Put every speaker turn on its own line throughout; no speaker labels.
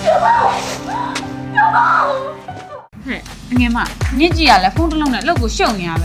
ငယ်မညစ်ကြည့်ရလဲဖုန်းတစ်လုံးနဲ့လောက်ကိုရှုံနေရပဲ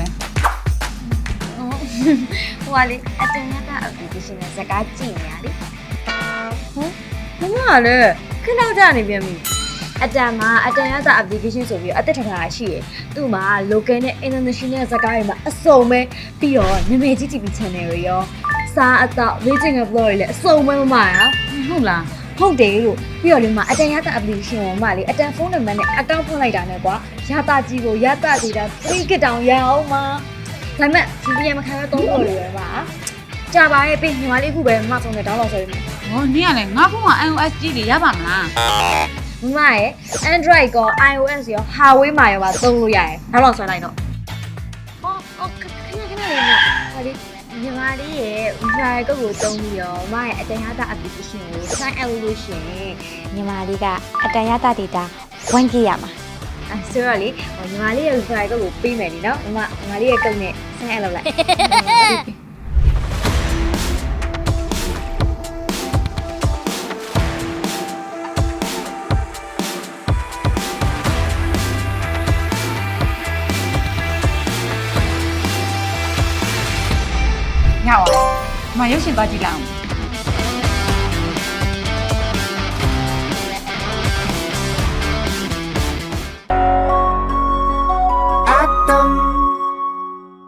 ဟိုကလေအတန်ရတာ application နဲ့စကားကြည့်နေရလေ
မမကလည်းခဏကြာနေပြန်ပြီ
အတန်မှာအတန်ရတာ application ဆိုပြီးအသက်ထထားတာရှိရယ်သူ့မှာ local နဲ့ international စကားတွေမှာအစုံပဲပြီးတော့နာမည်ကြီး TV channel တွေရောစားအသောက် raging vlog တွေလည်းအစုံပဲမမရ
ဟုတ်လား
ဟုတ်တယ်လို့ပြီးတော့လေမအတန်ရတာ application ကိုမလေးအတန်ဖုန်းနံပါတ်နဲ့ account ဖွင့်လိုက်တာနဲ့ကွာရတာကြီးကိုရတာဒေတာ3 GB တောင်ရအောင်မဒါပေမဲ့ VPN မခံရတော့လို့ရပါကြာပါရဲ့ပြီးညီမလေးအခုပဲမဆုံးနဲ့ download ဆွဲပြီး
ဟောနင်ကလည်းငါဖုန်းက iOS ကြီးတွေရပါမလား
မမရဲ့ Android ကော iOS ရော Huawei မှာရောပါသုံးလို့ရတယ်နောက်တော့ဆွဲလိုက်တော့ခဏလေးနော်ဟာဒီညီမလေးရဲ့ Wi-Fi ကုတ်ကိုသုံးပြီးတော့မရဲ့အတန်ရတာ application ကို sign up လုပ်လို့ရှင်ညီမလေးကအတန်ရတာ data 1GB ရမှာဆိုတော့လေညီမလေးရဲ့ Wi-Fi ကုတ်ကိုပေးမယ်လीနော်ညီမလေးရဲ့ကုတ်နဲ့ sign up လုပ်လိုက်
ရပါမရုပ်ရှင်သွားကြည့်လိုက်အောင်
Atom